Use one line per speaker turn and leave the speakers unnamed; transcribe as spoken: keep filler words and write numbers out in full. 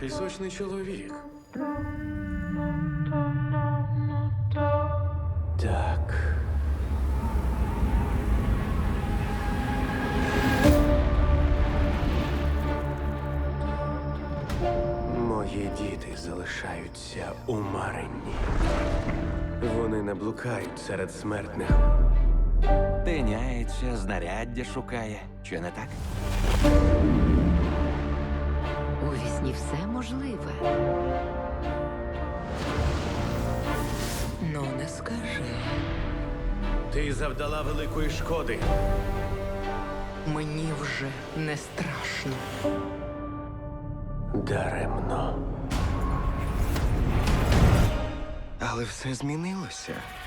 Пісочний чоловік. Так. Мої діти залишаються у Маринні. Вони не блукають серед смертних.
Тиняється, знаряддя шукає. Чи не так?
У вісні все можливе. Ну, не скажи.
Ти завдала великої шкоди.
Мені вже не страшно.
Даремно.
Але все змінилося.